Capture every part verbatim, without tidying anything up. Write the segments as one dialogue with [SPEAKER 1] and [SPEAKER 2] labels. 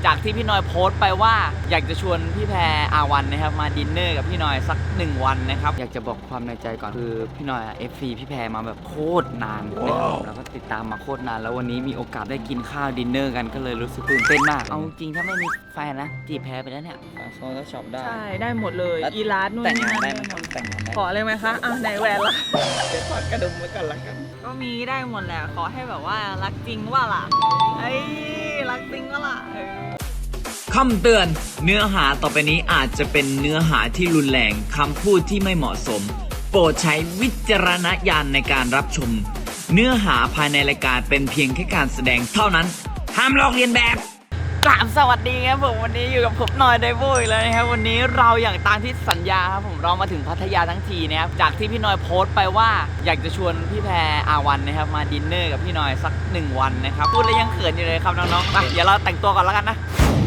[SPEAKER 1] จากที่พี่น้อยโพสต์ไปว่าอยากจะชวนพี่แพรอาวันนะครับมาดินเนอร์กับพี่น้อยสักหนึ่งวันนะครับอยากจะบอกความในใจก่อนคือพี่น้อยเอฟซีพี่แพรมาแบบโคตรนานนะครับแล้วก็ติดตามมาโคตรนานแล้ววันนี้มีโอกาสได้กินข้าวดินเนอร์กันก็เลยรู้สึกตื่นเต้นมากเอาจริงถ้าไม่มีแฟนนะจีบแพรไปแล้วเนี่ยโซนแล้วช็อปได้
[SPEAKER 2] ใช่ได้หมดเลยอีลาสนู่น
[SPEAKER 1] แต่ง
[SPEAKER 2] นี่
[SPEAKER 1] งาน
[SPEAKER 2] นั่น
[SPEAKER 1] ได้ไหมแต่งงานได้
[SPEAKER 2] ขอเลยไหมคะอ่ะไหนแหวนละ
[SPEAKER 1] เดี๋ยวถอดกระดุมไว้ก่อนละกัน
[SPEAKER 2] ก็มีได้หมดแหละขอให้แบบว่ารักจริงว่าล่ะไอ้รักจริงว่าล่ะ
[SPEAKER 1] คำเตือนเนื้อหาต่อไปนี้อาจจะเป็นเนื้อหาที่รุนแรงคำพูดที่ไม่เหมาะสมโปรดใช้วิจารณญาณในการรับชมเนื้อหาภายในรายการเป็นเพียงแค่การแสดงเท่านั้นห้ามลอกเลียนแบบกราบสวัสดีครับผมวันนี้อยู่กับผมหน่อยไดโว้ยแล้วนะครับวันนี้เราอย่างตามที่สัญญาครับผมเรามาถึงพัทยาทั้งทีนะครับจากที่พี่น้อยโพสต์ไปว่าอยากจะชวนพี่แพรอาวันนะครับมาดินเนอร์กับพี่น้อยสักหนึ่งวันนะครับพูดแล้วยังเขินอยู่เลยครับน้องๆไปเดี๋ยวเราแต่งตัวก่อนแล้วกันนะ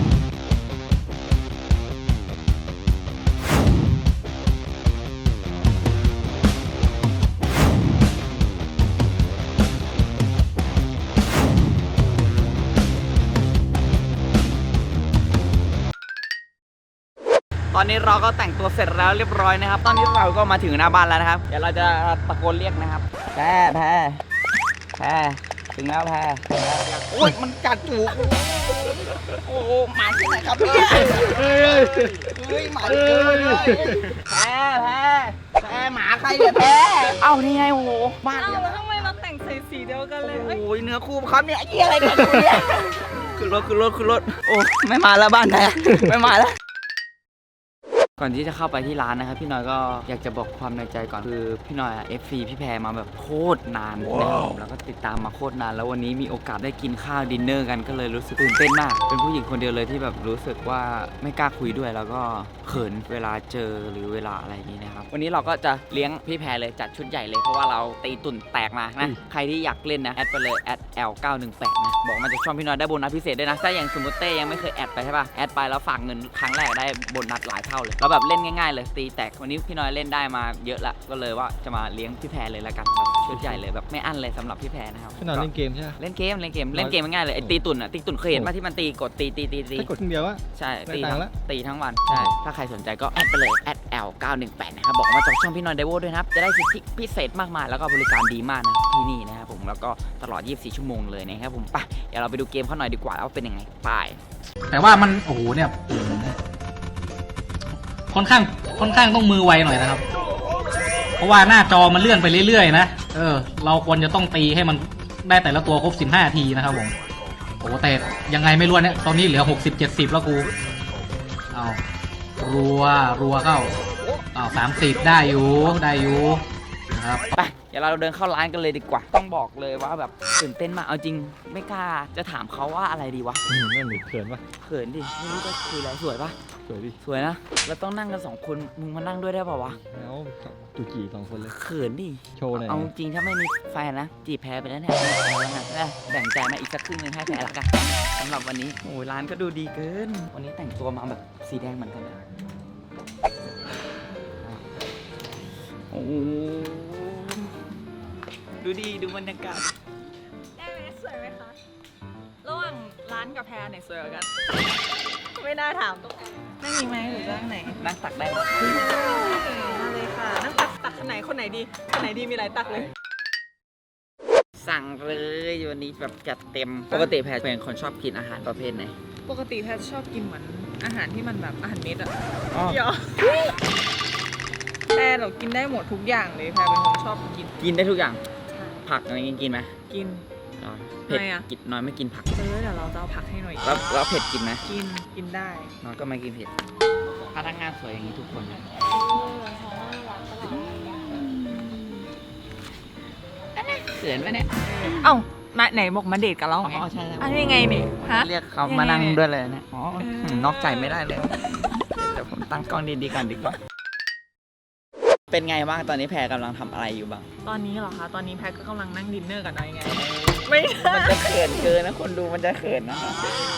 [SPEAKER 1] ตอนนี้เราก็แต่งตัวเสร็จแล้วเรียบร้อยนะครับตอนนี้เราก็มาถึงหน้าบ้านแล้วนะครับเดี๋ยวเราจะตะโกนเรียกนะครับแพรแพรแพรถึงแล้วแพรโอ้ยมันกัดหูโอ้โหหมาที่ไหนครับพี่เฮ้ยหมาเกินเลยแพรแพรแพรหมาใครเนี่ยแพรเอ้านี่ไงโอ้โหบ้าน
[SPEAKER 2] เอ้าแล้วทำไมเราแต่งใส่สีเดียวกันเลย
[SPEAKER 1] โอ้ยเนื้อคู่เขาเนี่ยไอ้เหี้ยอะไรกันคุณเนี่ยขึ้นรถขึ้นรถขึ้นรถโอ้ไม่มาแล้วบ้านไหนไม่มาแล้วก่อนที่จะเข้าไปที่ร้านนะครับพี่น้อยก็อยากจะบอกความในใจก่อนคือพี่น้อยเอฟซีพี่แพรมาแบบโคตรนานนะครับแล้วก็ติดตามมาโคตรนานแล้ววันนี้มีโอกาสได้กินข้าวดินเนอร์กันก็เลยรู้สึกตื่นเต้นมากเป็นผู้หญิงคนเดียวเลยที่แบบรู้สึกว่าไม่กล้าคุยด้วยแล้วก็เขินเวลาเจอหรือเวลาอะไรอย่างนี้นะครับวันนี้เราก็จะเลี้ยงพี่แพรเลยจัดชุดใหญ่เลยเพราะว่าเราตีตุ่นแตกมานะใครที่อยากเล่นนะแอดไปเลยแอด แอล เก้าหนึ่งแปดนะบอกมาจากช่องพี่น้อยได้โบนัสพิเศษด้วยนะถ้าอย่างสมมติเต้ยังไม่เคยแอดไปใช่ป่ะแอดไปแล้วฝากเงินครั้งแรกได้โบนัสหลายเท่าเลยแล้วแบบเล่นง่ายๆเลยตีแตกวันนี้พี่น้อยเล่นได้มาเยอะละก็เลยว่าจะมาเลี้ยงพี่แพรเลยละกันแบบชุดใหญ่เลยแบบไม่อั้นเลยสำหรับพี่แพรนะครับ
[SPEAKER 3] พี่น้อยเล่นเกมใช่ไหม
[SPEAKER 1] เล่นเกมเล่นเกมเล่นเกมง่ายเลยไอ้ตีตุ่นอ่ะตีตุ่นเคยเห็นป่ะที่มันตีกดตีตีตีตี
[SPEAKER 3] ถ้ากดคนเดียววะ
[SPEAKER 1] ใช่ตี
[SPEAKER 3] ได้ตังค์ละ
[SPEAKER 1] ตีทั้งวันใช่ถ้าใครสนใจก็แอดไปเลยแอด แอล เก้าหนึ่งแปดนะครับบอกมาจากช่องพี่น้อยไดโว้ด้วยนะครับจะได้สิทธิพิเศษมากมายแล้วก็บริการดีมากนะครับที่นี่นะครับผมแล้วก็ตลอดยี่สิบสี่ชั่วโมงเลยนะครับผมไปเดี๋ยวเราไปดูเกมเขาหน่อยดีกว่าว่าเป็นยังไงไป
[SPEAKER 4] แต่ว่ามันโอ้โหเนี่ยค่อนข้างค่อนข้างต้องมือไวหน่อยนะครับเพราะว่าหน้าจอมันเลื่อนไปเรื่อยๆนะเออเราควรจะต้องตีให้มันได้แต่ละตัวครบสิบห้าทีนะครับผมโอ้แต่ยังไงไม่รู้เนี่ยตอนนี้เหลือหกสิบเจ็ดสิบแล้วกูเอารัวรัวเข้าเอาสามสิบได้อยู่ได้อยู่นะครับ
[SPEAKER 1] ไปเดี๋ยวเราเดินเข้าร้านกันเลยดีกว่าต้องบอกเลยว่าแบบตื่นเต้นมากเอาจริงไม่กล้าจะถามเขาว่าอะไรดีวะ
[SPEAKER 3] นั่นหรือเขินปะ
[SPEAKER 1] เขินดิไม่รู้จะคุยอะไรสวยปะ
[SPEAKER 3] สวยดิ
[SPEAKER 1] สวยนะเราต้องนั่งกันสองคนมึงมานั่งด้วยได้ป่าวะ
[SPEAKER 3] แล้วตุจีสองคนเลย
[SPEAKER 1] เขินดิ
[SPEAKER 3] โชว์หน่อย
[SPEAKER 1] เอาจริงถ้าไม่มีแฟนนะจีบแพ้ไปแล้วเนี่ยเอาแล้วนะแบ่งใจมาอีกสักครึ่งนึงให้แพ้ละกันสำหรับวันนี้โอ้ยร้านก็ดูดีเกินวันนี้แต่งตัวมาแบบสีแดงเหมือนกันเลยโอ้ดูดีดูบรรยากาศ
[SPEAKER 2] ได้ไหมสวยไหมคะระหว่างร้านกับแพรไหนสวยกว่ากันไม่น่าถามตรงนั่งนี้ไหมหรือนั่งไหน
[SPEAKER 1] นั่งตักได้ไหม
[SPEAKER 2] มาเลยค่ะนั่งตักตักคนไหนคนไหนดีคนไหนดีมีหลายตักเลย
[SPEAKER 1] สั่งเลยวันนี้แบบจัดเต็มปกติแพรเป็นคนชอบกินอาหารประเภทไหน
[SPEAKER 2] ปกติแพทชอบกินเหมือนอาหารที่มันแบบอาหารเม็ดอะ
[SPEAKER 1] อ๋อ
[SPEAKER 2] เดี๋ยวแพรเรากินได้หมดทุกอย่างเลยแพรเป็นคนชอบกิน
[SPEAKER 1] กินได้ทุกอย่างผักอะไรกินไหม
[SPEAKER 2] กิน
[SPEAKER 1] อ๋อเผ็ด
[SPEAKER 2] ทำไมอะ
[SPEAKER 1] กินน้อยไม่กินผัก
[SPEAKER 2] เออเดี๋ยวเราจะเอาผักให้หน่อย
[SPEAKER 1] แล้วแล้วเผ็ดกินไหม
[SPEAKER 2] กินกินได้
[SPEAKER 1] น้อยก็ไม่กินเผ็ดพนักงานสวยอย่างนี้ทุกคนนะเขินปะเนี่ย
[SPEAKER 2] เอ้ามาไหนบอกมาเดทกันแล้ว
[SPEAKER 1] อ๋
[SPEAKER 2] ไง
[SPEAKER 1] อใช่ใช่
[SPEAKER 2] อันนี้ไงเนี่ยฮะ
[SPEAKER 1] เรียกเขา
[SPEAKER 2] ยังไง
[SPEAKER 1] มานั่ง
[SPEAKER 2] เนี่ย
[SPEAKER 1] ด้วยเลยนะอ๋อ
[SPEAKER 2] เออ
[SPEAKER 1] นอกใจไม่ได้เลยเดี๋ยวผมตั้งกล้องดีๆก่อนดีกว่าเป็นไงบ้างตอนนี้แพรกำลังทำอะไรอยู่บ้าง
[SPEAKER 2] ตอนนี้เหรอคะ ตอนนี้แพทก็กำลังนั่งดินเนอร์กับนายไง ไม่ได้
[SPEAKER 1] มันจะเขินเกินนะคนดูมันจะเขินนะเดี๋ยว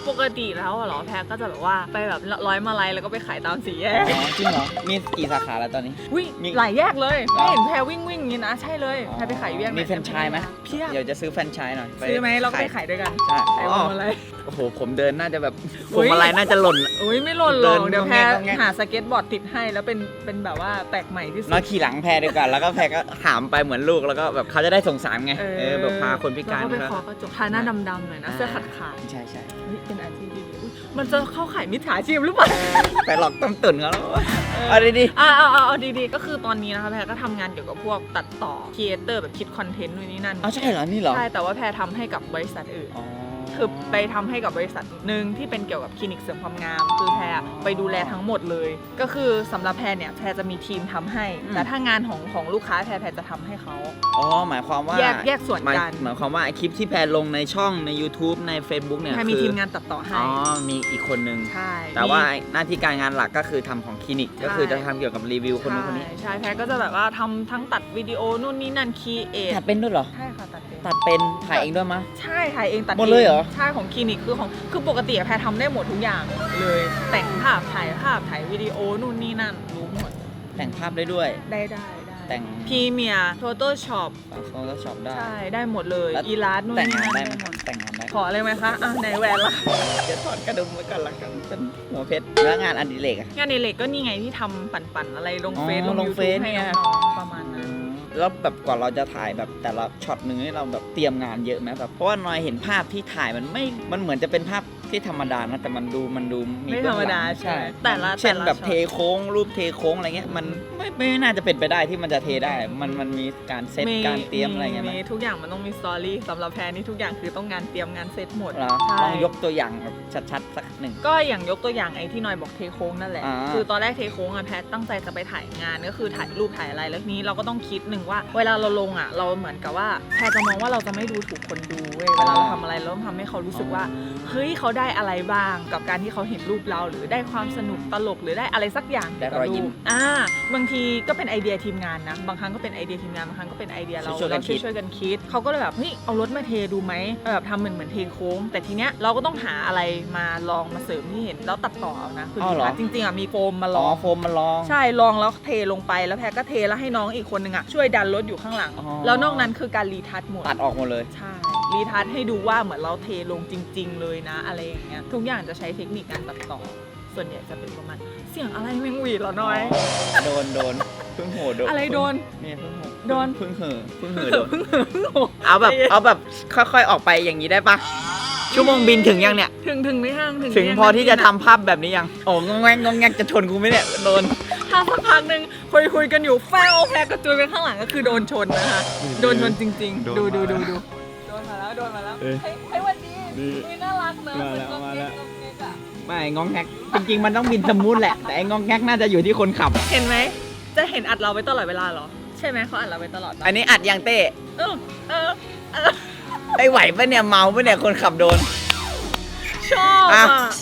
[SPEAKER 2] ปกติแล้วอะเหรอแพรก็จะแบบว่าไปแบบร้อยมาลัยแล้วก็ไปขายตามสี่แยก
[SPEAKER 1] อ๋อจริงเหรอมีกี่สาขาแล้วตอนนี้
[SPEAKER 2] วิ่ง
[SPEAKER 1] มี
[SPEAKER 2] หลายแยกเลย
[SPEAKER 1] เหรอ
[SPEAKER 2] ไม่เห็นแพรวิ่งวิ่งอย่างนี้นะใช่เลยแพรไปขายอยู่แยกไหน
[SPEAKER 1] มีแฟรนไชส์ไหม
[SPEAKER 2] เพียบ
[SPEAKER 1] เดี๋ยวจะซื้อแฟรนไชส์หน่อยป
[SPEAKER 2] ซื้อไหมเราก็ไปขายด้วยกัน
[SPEAKER 1] ใช่
[SPEAKER 2] ขาย
[SPEAKER 1] อ๋อ
[SPEAKER 2] มาลัย
[SPEAKER 1] โอ้โหผมเดินน่าจะแบบ
[SPEAKER 2] อุ๊
[SPEAKER 1] ผม
[SPEAKER 2] ย
[SPEAKER 1] อะไรน่าจะหล่น
[SPEAKER 2] อุ้ยไม่หล่นหรอก
[SPEAKER 1] เดิน
[SPEAKER 2] เดี๋ยวแพร
[SPEAKER 1] งงแงง
[SPEAKER 2] หาสเก็ตบอร์ดติดให้แล้วเป็นเป็นแบบว่าแปลกใหม่ที่สุด
[SPEAKER 1] น้อยขี่หลังแพรดีกว่าแล้วก็แพรก็หามไปเหมือนลูกแล้วก็แบบเขาจะได้สงสารไงเออแบบพาคนพิการ
[SPEAKER 2] แล้วก็ไป
[SPEAKER 1] เขา
[SPEAKER 2] ขอกระจกทาหน้าดำๆหน่อยนะเสื้อขาดขาด
[SPEAKER 1] ใช่ใช่
[SPEAKER 2] ๆเฮ้ยเป็นอาชีพดีๆอุ๊ยมันจะเข้าขายมิจฉาชีพหรือเปล่า
[SPEAKER 1] ไปหลอกต้มตุ๋นเขาแล้วเอาดี
[SPEAKER 2] อ่าเอาเอาเอาดีๆก็คือตอนนี้นะคะแพรก็ทำงานเกี่ยวกับพวกตัดต่อครีเอเตอร์แบบคิดคอนเทนต์นู่นนี่นั่น
[SPEAKER 1] ๆเอาใช่เหรอนี่เหรอ
[SPEAKER 2] ใช่แต่ว่าแพรทำให้กับบริษัทอื่น
[SPEAKER 1] อ๋อ
[SPEAKER 2] คือไปทำให้กับบริษัทหนึ่งที่เป็นเกี่ยวกับคลินิกเสริมความงาม คือแพรไปดูแลทั้งหมดเลย ก็คือสำหรับแพรเนี่ยแพรจะมีทีมทำให้ แต่ถ้างานของของลูกค้าแพรแพรจะทำให้เขา
[SPEAKER 1] อ๋อหมายความว่า
[SPEAKER 2] แยกแยกส่วน
[SPEAKER 1] หมาย
[SPEAKER 2] กัน
[SPEAKER 1] หมายความว่าไอคลิปที่แพรลงในช่องใน YouTube ใน Facebook เนี่ย
[SPEAKER 2] แพรมี
[SPEAKER 1] คือ
[SPEAKER 2] ทีมงานตัดต่อให้
[SPEAKER 1] อ๋อมีอีกคนนึง
[SPEAKER 2] ใช่
[SPEAKER 1] แต่ว่า
[SPEAKER 2] มี
[SPEAKER 1] หน้าที่การงานหลักก็คือทำของคลินิก ก็คือจะทำเกี่ยวกับรีวิวคนนู้นคนนี้
[SPEAKER 2] ใช่ใช่แพรก็จะแบบว่าทำทั้งตัดวิดีโอนู่นนี่นั่นคีเอท
[SPEAKER 1] ตัดเป็นด้วยเหรอ
[SPEAKER 2] ใช่ค่ะตัดเป็น
[SPEAKER 1] ตัดเป็นถ่ายเองด้วยมะ
[SPEAKER 2] ใช่ถ่ายเองตัด
[SPEAKER 1] หมดเลยเหรอ
[SPEAKER 2] ใช่ของคลินิกคือของคือปกติอะแพรทำได้หมดทุกอย่างเลย แต่งภาพถ่ายภาพถ่ายวิดีโอนู่นนี่นั่นรู้หมด
[SPEAKER 1] แต่งภาพได้ด้วย
[SPEAKER 2] ได้ได้ได้
[SPEAKER 1] แต่ง
[SPEAKER 2] พรีเมียร์โฟโต้ช็อป
[SPEAKER 1] โฟโต้ช็อปได้
[SPEAKER 2] ใช่ได้หมดเลย
[SPEAKER 1] แล้ว
[SPEAKER 2] อีลาสนู่น
[SPEAKER 1] แต่ง
[SPEAKER 2] นี่
[SPEAKER 1] งาน
[SPEAKER 2] นั่น
[SPEAKER 1] ได้ไหม
[SPEAKER 2] ได้หมด
[SPEAKER 1] แต่งงานได้
[SPEAKER 2] ขอเลยไหมคะอ่ะในแหวนละ
[SPEAKER 1] เดี๋ยวถอดกระดุมไว้ก่อนละกันเป็นหัวเพชรแล้วงานอดิเรกอะ
[SPEAKER 2] งานในเล็กก็นี่ไงที่ทำปั่นๆอะไรลง
[SPEAKER 1] อ๋อ
[SPEAKER 2] เฟซลง
[SPEAKER 1] ลง
[SPEAKER 2] ยู
[SPEAKER 1] เฟ
[SPEAKER 2] ทูบ
[SPEAKER 1] ซ
[SPEAKER 2] ให้
[SPEAKER 1] เนี่ย
[SPEAKER 2] น้องๆประมาณนั้น
[SPEAKER 1] แล้วแบบกว่าเราจะถ่ายแบบแต่ละช็อตหนึ่งนี่เราแบบเตรียมงานเยอะไหมแบบเพราะว่าน้อยเห็นภาพที่ถ่ายมันไม่มันเหมือนจะเป็นภาพที่ธรรมดานะแต่มันดูมันดู
[SPEAKER 2] ไม่ธรรมดา
[SPEAKER 1] เบื้องหลัง
[SPEAKER 2] ใช่ไหมแต่ละ
[SPEAKER 1] เช่น
[SPEAKER 2] แต่ละ
[SPEAKER 1] แบบ
[SPEAKER 2] ช็อต
[SPEAKER 1] เทโค้งรูปเทโค้งอะไรเงี้ยมันไม่ไม่น่าจะเป็นไปได้ที่มันจะเทได้ มันมันมีการเซตการเตรียมอะไรเงี้ยไหม
[SPEAKER 2] มีทุกอย่างมันต้องมีสตอรี่สำหรับแพรนี่ทุกอย่างคือต้องงานเตรียมงานเซตหมด
[SPEAKER 1] เหรอ
[SPEAKER 2] ใช่
[SPEAKER 1] ลองยกตัวอย่างแบบชัดๆสักหนึ่ง
[SPEAKER 2] ก็อย่างยกตัวอย่างไอ้ที่นอยบอกเทโค้งนั่นแหละ
[SPEAKER 1] อ่า
[SPEAKER 2] คือตอนแรกเทโค้งอะแพทตั้งใจจะไปถ่ายงานก็คือถ่ายรูปถ่ายอะไรแล้วทีนี้เราก็ต้องคิดหนึ่งว่า เวลาเราลงอะเราเหมือนกับว่าแพทจะมองว่าเราจะไม่ดูถูกคนดูเว้ยเวลาเราทำอะไรเราต้องทำให้เขารู้สึกว่าเฮ้ยเขาได้อะไรบ้างกับการที่เขาเห็นรูปเราหรือได้ความสนุกตลกหรือได้อะไรสักอย่าง
[SPEAKER 1] ได้รอยยิ้ม
[SPEAKER 2] กับรูปอ่าบางทีก็เป็นไอเดียทีมงานนะบางครั้งก็เป็นไอเดียทีมงานบางครั้งก็เป็นไอเดียเรา
[SPEAKER 1] ช่วยๆกัน
[SPEAKER 2] เรา
[SPEAKER 1] คิด
[SPEAKER 2] ช่วยๆกันคิดเขาก็เลยแบบเฮ้ยเอารถมาเทดูไหมแบบทำเหมือนเหมือนเทโค้ง แต่ทีเนี้ยเราก็ต้องหาอะไรมาลองมาเสริมที่เห็นแล้วตัดต่อเอานะคือ
[SPEAKER 1] อ้าวเหรอ
[SPEAKER 2] จริงๆอ่ะมีโฟมมาล
[SPEAKER 1] อ๋อ
[SPEAKER 2] อง
[SPEAKER 1] โฟมมาลอง
[SPEAKER 2] ใช่ลองแล้วเทลงไปแล้วแพรก็เทแล้วให้น้องอีกคนนึงอ่ะช่วยดันรถอยู่ข้างหลัง
[SPEAKER 1] อ๋อ
[SPEAKER 2] แล้วนอกนั้นคือการรีทัชหมด
[SPEAKER 1] ตัดออกหมดเลย
[SPEAKER 2] ใช่รีทัชให้ดูว่าเหมือนเราเทลงจริง ๆ เลยนะอะไรอย่างเงี้ยทุกอย่างจะใช้เทคนิคการตัดต่อ ส่วนใหญ่จะเป็นประมาณเสียงอะไรแมงหวีดเหรอน้อย
[SPEAKER 1] โดนโดนเพิ่งโหโดน
[SPEAKER 2] อะไรโดน
[SPEAKER 1] เนี่ยเพิ่งโห
[SPEAKER 2] โดน
[SPEAKER 1] เพิ่งเห่อเพิ่งเห่อโดนเอาแบบเอาแบบค่อยๆออกไปอย่างนี้ได้ปะชั่วโมงบินถึงยังเนี่ย
[SPEAKER 2] ถึงถึงไม่ห่างถึง
[SPEAKER 1] ถึง
[SPEAKER 2] ไม่
[SPEAKER 1] พอที่จะทำ
[SPEAKER 2] ห่าง
[SPEAKER 1] ภาพแบบนี้ยังโอ้งงแงงงงแงงจะชนกูไหมเนี่ยโดน
[SPEAKER 2] ถ้าสักพักหนึ่งคุยคุยๆกันอยู่แฟวแพรกระจุยไปข้างหลังก็คือโดนชนนะคะโดนชนจริง ๆ ดูดูดูดูโดนมาแล้วโดนมาแล้ว
[SPEAKER 3] เอ้ย
[SPEAKER 2] เฮ้ยเฮ้ยวันดี
[SPEAKER 3] ดี
[SPEAKER 2] มีน่ารักเนอะ
[SPEAKER 3] มาแล้ว
[SPEAKER 2] เป็น
[SPEAKER 3] มาแล้ว
[SPEAKER 2] งเก๊กๆอะ
[SPEAKER 1] ไม่งงแงกจริงๆมันต้องบินสมูทแหละ แต่ไอ้งงแงกน่าจะอยู่ที่คนขับ
[SPEAKER 2] เห็นไหมจะเห็นอัดเราไว้ตลอดเวลาเหรอใช่ไหมเขาอัดเราไว้ตลอดปะ
[SPEAKER 1] อันนี้อัดยังเต้
[SPEAKER 2] เออเออเออ
[SPEAKER 1] ไอ้ไหวปะเนี่ยเมาปะเนี่ยคนขับโดน
[SPEAKER 2] ชอบ
[SPEAKER 1] อ่ะ
[SPEAKER 2] อ่ะ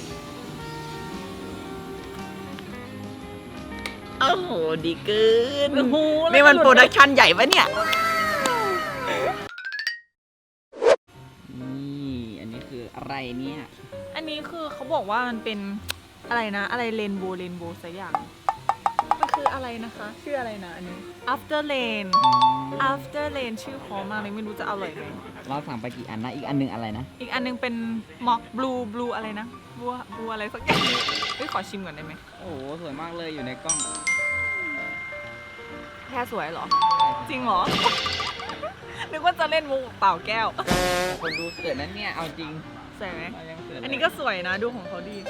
[SPEAKER 1] โอ้โหดีเกิน
[SPEAKER 2] โอ้โหแล้ว
[SPEAKER 1] นี่มัน
[SPEAKER 2] หลุ
[SPEAKER 1] โปรดักชั่นใหญ่ปะเนี่ย นี่อันนี้คืออะไรเนี่ย
[SPEAKER 2] อันนี้คือเขาบอกว่ามันเป็นอะไรนะ อะไรเรนโบว์เรนโบว์สักอย่างมันคืออะไรนะคะชื่ออะไรนะอันนี้ after rain after rain ชื่อพอมากเลยไม่รู้จะอร่อยไหม
[SPEAKER 1] เราสั่งไปกี่อันนะ อีกอันหนึงอะไรนะ
[SPEAKER 2] อีกอันนึงเป็น mock blue blue อะไรนะบัวบัวอะไรสักอย่างเฮ้ยขอชิมก่อนได้ไหม
[SPEAKER 1] โอ้โห สวยมากเลยอยู่ในกล้อง
[SPEAKER 2] แค่สวยเหรอ จริงเหรอ นึกว่าจะเล่นมุกเปล่าแก้ว
[SPEAKER 1] คนดูเขินนั้นเนี่ย เอาจริง
[SPEAKER 2] สวยไหม
[SPEAKER 1] เรายังเขินเลย
[SPEAKER 2] อันนี้ก็สวยนะดูของเขาดี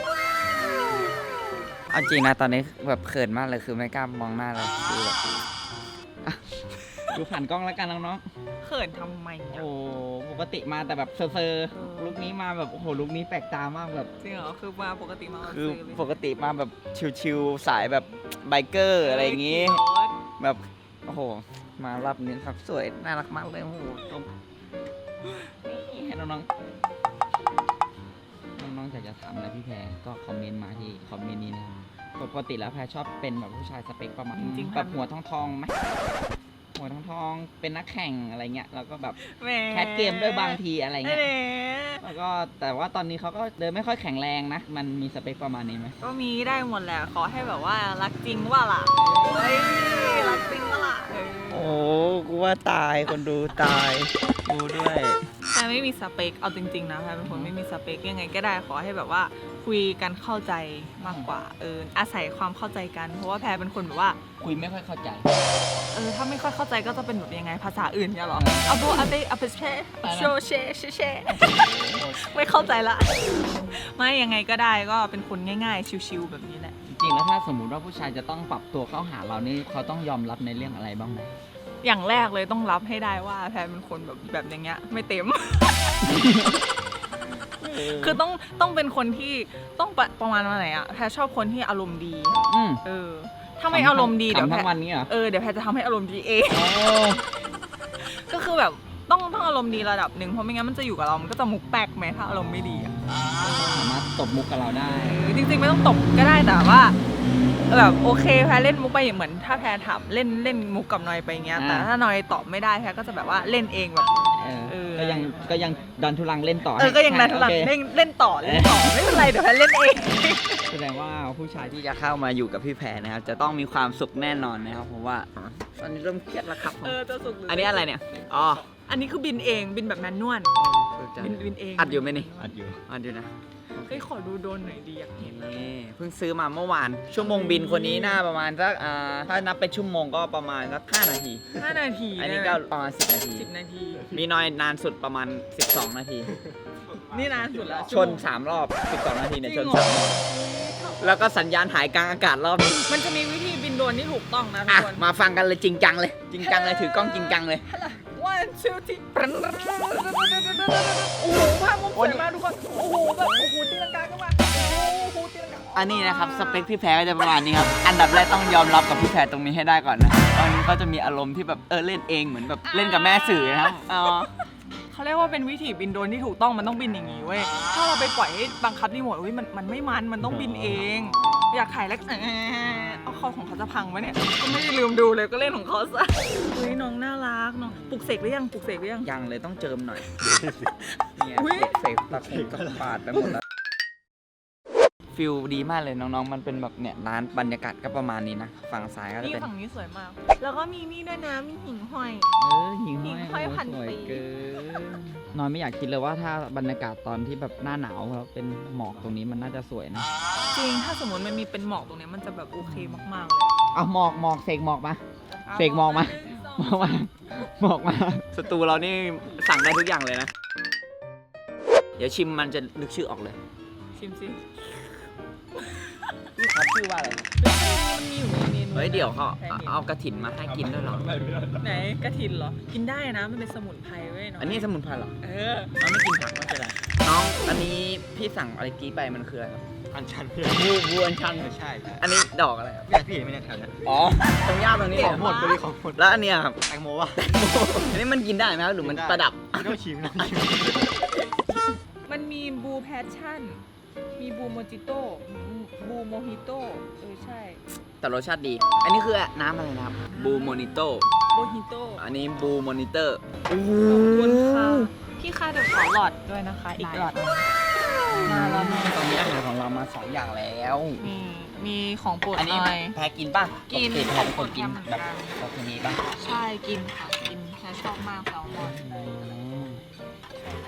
[SPEAKER 1] เอาจริงนะตอนนี้แบบเขินมากเลยคือไม่กล้ามองหน้าเลยคือแบบอ่ะดูผ่านกล้องแล้วกันน้อง
[SPEAKER 2] เขินทำไม
[SPEAKER 1] ๆ
[SPEAKER 2] อะ
[SPEAKER 1] โอ้ปกติมาแต่แบบเซอร์
[SPEAKER 2] เออ
[SPEAKER 1] ๆลุคนี้มาแบบโอ้โหลุคนี้แปลกตามากแบบ
[SPEAKER 2] จริงเหรอ คือมาปกติมาเอา
[SPEAKER 1] คือ
[SPEAKER 2] ซื้อเลย
[SPEAKER 1] ปกติมาแบบชิวๆสายแบบไบเกอร์อะไรอย่างงี้ แบบโอ้โหมารอบนี้ครับสวยน่ารักมากเลยโอ้โหตรงนี่ให้น้องๆน้องๆอยากจะถามอะไรพี่แพรก็คอมเมนต์มาที่คอมเมนต์นี้นะครับปกติแล้วแพรชอบเป็นแบบผู้ชายสเปคประมาณ
[SPEAKER 2] จริงๆ
[SPEAKER 1] แบบหัวทองทองๆไหมหัวทองทองเป็นนักแข่งอะไรเงี้ยแล้วก็แบบ
[SPEAKER 2] แหม
[SPEAKER 1] แคสเกมด้วยบางทีอะไรเงี้ย
[SPEAKER 2] แหม
[SPEAKER 1] แล้วก็แต่ว่าตอนนี้เขาก็เดินไม่ค่อยแข็งแรงนะมันมีสเปคประมาณนี้ไหม
[SPEAKER 2] ก็มีได้หมดแหละขอให้แบบว่ารักจริงว่าล่ะเฮ้ยรักจริงว่าล่ะเออ
[SPEAKER 1] โอ้กูว่าตายคนดูตายกูด้วย
[SPEAKER 2] แพรไม่มีสเปคเอาจริงๆนะแพรเป็นคนไม่มีสเปคยังไงก็ได้ขอให้แบบว่าคุยกันเข้าใจมากกว่าเอออาศัยความเข้าใจกันเพราะว่าแพรเป็นคนแบบว่า
[SPEAKER 1] คุยไม่ค่อยเข้าใจ
[SPEAKER 2] เออถ้าไม่ค่อยเข้าใจก็จะเป็นแบบยังไงภาษาอื่นเนี่ยหรออาโบอาเบอาเปเช่โชเชเชเชไม่เข้าใจละไม่ยังไงก็ได้ก็เป็นคนง่ายๆชิวๆแบบนี้แหละ
[SPEAKER 1] จริงๆแล้วถ้าสมมุติว่าผู้ชายจะต้องปรับตัวเข้าหาเรานี่เขาต้องยอมรับในเรื่องอะไรบ้างไหม
[SPEAKER 2] อย่างแรกเลยต้องรับให้ได้ว่าแพรเป็นคนแบบแบบอย่างเงี้ยไม่เต็ม คือต้องต้องเป็นคนที่ต้องประประมาณว่าไหนอะแพรชอบคนที่อารมณ์ดี
[SPEAKER 1] อืม
[SPEAKER 2] เออ ถ้าไม่อารมณ์ดีเดี๋ยว
[SPEAKER 1] ขำ
[SPEAKER 2] แพ
[SPEAKER 1] ทั้
[SPEAKER 2] รง
[SPEAKER 1] วันนี้เหรอ
[SPEAKER 2] เออเดี๋ยวแพรจะทำให้อารมณ์ดีเอง
[SPEAKER 1] โอ้
[SPEAKER 2] ก็คือแบบต้องต้องอารมณ์ดีระดับหนึ่งเพราะไม่งั้นมันจะอยู่กับเรามันก็จะมุกแปลกไหมถ้าอารมณ์ไม่ดีอะ
[SPEAKER 1] สามารถตบมุกกับเราได้
[SPEAKER 2] เออจริงๆไม่ต้องตบก็ได้แต่ว่าแบบโอเคแพรเล่นมุกไปอย่างเหมือนถ้าแพรถามเล่นเล่นมุกกับนอยไปอย่างเงี้ย
[SPEAKER 1] อ่า
[SPEAKER 2] แต่ถ้านอยตอบไม่ได้แพรก็จะแบบว่าเล่นเองแบบ
[SPEAKER 1] เออ
[SPEAKER 2] เออ
[SPEAKER 1] ก็ยังก็ยังดันทุลังเล่นต่อ
[SPEAKER 2] เออก็ยังนายทุลัง
[SPEAKER 1] โอเค
[SPEAKER 2] เล่นเล่นต่อเล่นต่อไม่เป็นไรเดี๋ยวแพรเล่นเอง
[SPEAKER 1] แสดงว่าผู้ชายที่จะเข้ามาอยู่กับพี่แพรนะครับจะต้องมีความสุขแน่นอนนะครับเพราะว่าตอนนี้เริ่มเครียดแล้วครับผม
[SPEAKER 2] เออจะสุกห
[SPEAKER 1] อันนี้อะไรเนี่ยอ๋อ
[SPEAKER 2] อันนี้คือบินเองบินแบบแมนนวลบินบินเอง
[SPEAKER 1] อัดอยู่ไหมนี่
[SPEAKER 3] อัดอยู่
[SPEAKER 1] อัดอยู่นะ
[SPEAKER 2] เฮ้ยขอดูโดนหน่อยดีอยากเห็นนะ
[SPEAKER 1] นี่เพิ่งซื้อมาเมื่อวาน ชั่วโมงบินคนนี้น่าประมาณสักอ่าถ้านับเป็นชั่วโมงก็ประมาณสักห้านาที
[SPEAKER 2] ห้านาที
[SPEAKER 1] อันนี้ก็ประมาณสิบนาที
[SPEAKER 2] สิบนาที
[SPEAKER 1] มีน้อยนานสุดประมาณสิบสองนาที
[SPEAKER 2] นี่นานสุดละ
[SPEAKER 1] ชนสามรอบสิบสองนาทีเนี่ยชนสามรอบแล้วก็สัญญาณหายกลางอากาศรอบนึง
[SPEAKER 2] มันจะมีวิธีบินโดรนที่ถูกต้องนะทุ
[SPEAKER 1] อ่ะ
[SPEAKER 2] กคน
[SPEAKER 1] มาฟังกันเลยจริงจังเลย จริงจังเลยถือกล้องจริงจังเลย
[SPEAKER 2] one two three โอ้โหภาพมุมสวยมากทุกคน โอ้โหแบบโอ้โหตีลังกาขึ้นมาโอ้โหตีลังกา
[SPEAKER 1] อันนี้นะครับสเปคพี่แพรก็จะประมาณนี้ครับ อันดับแรกต้องยอมรับกับพี่แพรตรงนี้ให้ได้ก่อนนะตอนนี้เขาจะมีอารมณ์ที่แบบเออเล่นเองเหมือนแบบเล่นกับแม่สื่อนะครับอ๋อ
[SPEAKER 2] เขาเรียกว่าเป็นวิธีบินโดรนที่ถูกต้องมันต้องบินอย่างนี้เว้ย ถ้าเราไปปล่อยให้บังคับรีโมทอุ้ยมันมันไม่มันมันต้องบินเอง อยากถ่ายแล้วเออเอาคอของเขาจะพังไหมเนี่ยก็ไม่ได้ลืมดูเลยก็เล่นของเขาซะอุ้ยน้องน่ารักน้องปลุกเสกหรือยังปลุกเสกหรือยัง
[SPEAKER 1] ยังเลยต้องเจิมหน่อยเนี่ย
[SPEAKER 2] อุ๊ย
[SPEAKER 1] เสกตะคุ่มตะปาดไปหมดแล้วฟิลดีมากเลยน้องๆมันเป็นแบบเนี่ยร้านบรรยากาศก็ประมาณนี้นะฝั่งซ้ายก็จะ
[SPEAKER 2] นี่
[SPEAKER 1] เป็น
[SPEAKER 2] ฝั่งนี้สวยมาก แล้วก็มีนี่ด้วยนะมีหิ่งห้อย
[SPEAKER 1] เออหิ่ง
[SPEAKER 2] หิ่งห้
[SPEAKER 1] ห้
[SPEAKER 2] อ
[SPEAKER 1] อย ย
[SPEAKER 2] พัน
[SPEAKER 1] สวย
[SPEAKER 2] ปี
[SPEAKER 1] เกินนอนไม่อยากคิดเลยว่าถ้าบรรยากาศตอนที่แบบหน้าหนาวแล้วเป็นหมอกตรงนี้มันน่าจะสวยนะ
[SPEAKER 2] จริงถ้าสมมติมันมีเป็นหมอกตรงเนี้ยมันจะแบบโอเคมากๆเลย
[SPEAKER 1] เอาหมอกหมอกเสกหมอกมาเสกหมอกมาหมอกมาหมอกมาสตูเรานี่สั่งได้ทุกอย่างเลยนะ เดี๋ยวชิมมันจะนึกชื่อออกเลย
[SPEAKER 2] ชิมสิ
[SPEAKER 1] พี่ครับชื่อว่าอะไร
[SPEAKER 2] มันมีอยู่ในเมนู
[SPEAKER 1] เฮ้ยเดี๋ยวเขา
[SPEAKER 2] แพร
[SPEAKER 1] เอา
[SPEAKER 2] ห็น
[SPEAKER 1] เอากระถินมาให้กินด้วยเหรอ
[SPEAKER 2] ไหนกระถินเหรอ กินได้นะมันเป็นสมุนไพรเว้ยเนาะ
[SPEAKER 1] อันนี้สมุนไพรเหรอ
[SPEAKER 2] เออ
[SPEAKER 1] น้องไม่กินผักไม่เป็นไรน้องอันนี้พี่สั่งอะไรกี้ไปมันคืออะไรครับ
[SPEAKER 3] อันชัน
[SPEAKER 1] บูบูอันชัน
[SPEAKER 3] ใช่ใช่
[SPEAKER 1] อันนี้ดอกอะไรครับ
[SPEAKER 3] พี่พี่ไม่ได้แถวนี้
[SPEAKER 1] อ๋อตรงย่าตรงนี้
[SPEAKER 3] ของหมดไปเลยของหมด
[SPEAKER 1] แล้วอันเนี้ยครับ
[SPEAKER 3] แตงโมวะ
[SPEAKER 1] อันนี้มันกินได้ไหมครับหรือมันประดับ
[SPEAKER 3] ไม่ต้องชิมนะ
[SPEAKER 2] มันมีบูแพชชั่น มีบูโมจิโต้บูโมฮิโต้เออใช่
[SPEAKER 1] แต่รสชาติดี อันนี้คือน้ำอะไรนะครับบูโมนิโต
[SPEAKER 2] โมฮิโต้
[SPEAKER 1] อันนี้บูมอนิเตอร์
[SPEAKER 2] ขอบคุณค่ะพี่ค่ะเดี๋ยวขอหลอดด้วยนะคะ อีกหลอดมาแล้วแม่
[SPEAKER 1] ตอนนี้อาหารของเรามาสองอย่างแล้ว
[SPEAKER 2] มีมีของโปรด
[SPEAKER 1] อันนี้
[SPEAKER 2] หน่อย
[SPEAKER 1] แพ้กินป่ะ
[SPEAKER 2] กิน
[SPEAKER 1] ปติแพ้เป็นคนกิน
[SPEAKER 2] ของโปรด
[SPEAKER 1] แบบ
[SPEAKER 2] เหมือนกัน
[SPEAKER 1] แบบนี้ป่ะ
[SPEAKER 2] ใช่กินค่ะกินแค่ชอบมากแซลมอนใช่ไหม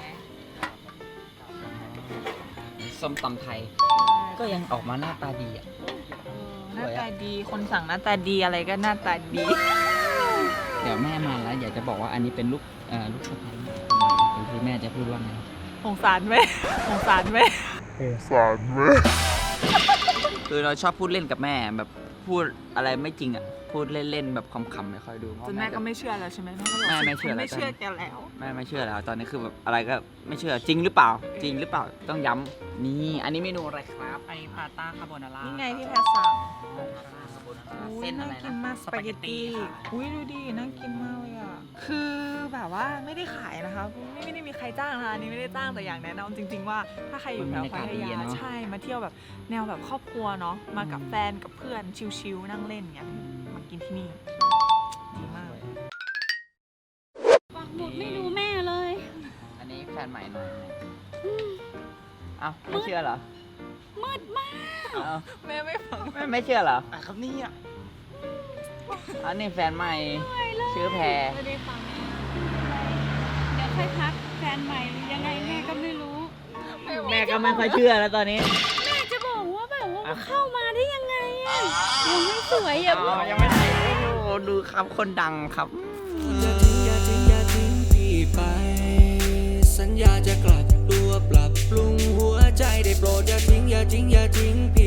[SPEAKER 1] ส้มตำไทย ก็ยังออกมาหน้าตาดีอ่ะ
[SPEAKER 2] เออหน้าตาดีคนสั่งหน้าตาดีอะไรก็หน้าตาดี
[SPEAKER 1] เดี๋ยวแม่มาแล้วอยากจะบอกว่าอันนี้เป็นลูกเอ่อลูกสะใภ้หรือที่แม่จะพูดว่าไง
[SPEAKER 2] สงสารไหมสงสารไหม
[SPEAKER 1] คือเราชอบพูดเล่นกับแม่แบบพูดอะไรไม่จริงอ่ะพูดเล่นๆแบบขำๆไม่ค่อยดูเพราะ
[SPEAKER 2] จนแม่ก็ไม่เชื่อแล้วใช่ไหมแม่ก็บอก
[SPEAKER 1] แม่ไม่เชื่อแล้ว
[SPEAKER 2] ไม่เชื่อแกแล้ว
[SPEAKER 1] แม่ไม่เชื่อแล้ว ตอนนี้คือแบบอะไรก็ไม่เชื่อจริงหรือเปล่า จริงหรือเปล่าต้องย้ำนี่อันนี้เมนูอะไรครับ
[SPEAKER 4] อันนี้พาต้าคาโบนาร่า
[SPEAKER 2] นี่ไงที่แพทสั่ง อุ้ย
[SPEAKER 1] เส้นอะ
[SPEAKER 2] น่า
[SPEAKER 1] ไร
[SPEAKER 2] กิ
[SPEAKER 1] นะ
[SPEAKER 2] นมากสปาเกตตี้
[SPEAKER 4] ค่ะ
[SPEAKER 2] อุ้ยดูดิน่ากินมากเลยอ่ะ คือแบบว่าไม่ได้ขายนะคะไม่ไม่ได้มีใครจ้างนะคะอันนี้ไม่ได้จ้างแต่อย่างแนะนำจริง ๆ ว่าถ้าใครอยู่แถวพัทยาใช่มาเที่ยวแบบแนวแบบครอบครัวเนาะมากับแฟนกับเพื่อนชิลๆนั่งเล่นเงี้ยมากินที่นี่ดีมาก
[SPEAKER 1] นใหม่หน่อยเอ้าไม่เชื่อเหรอ
[SPEAKER 5] มืดมาก
[SPEAKER 1] เอ้า
[SPEAKER 2] แม่ไม่ฟัง
[SPEAKER 1] ไม่ไม่เชื่อเหรอ
[SPEAKER 6] อ่ะครับนี่อ่ะ
[SPEAKER 1] อันนี้แฟนใหม่ชื่อแพร
[SPEAKER 5] ไม่ได้ฟังแม่เดี๋ยวค่อยทักแฟนใหม่ยังไงแม่ก็ไม่รู้
[SPEAKER 1] แม่ก็ไม่ค่อยเชื่อแล้วตอนนี้
[SPEAKER 5] แม่จะบอกว่าแบบว่าเข้ามาได้ยังไงอะยังไม่สวยอย่า
[SPEAKER 1] อ๋
[SPEAKER 5] เพิ่
[SPEAKER 1] อง ยังไม่ได้โอ้โหดูครับคนดังครับ
[SPEAKER 7] อย่าทิ้งอย่าทิ้งอย่าทิ้งพี่ไป สัญญาจะกลับตัวปรับปรุงหัวใจได้โปรดอย่าทิ้งอย่าทิ้งอย่าทิ้งพี่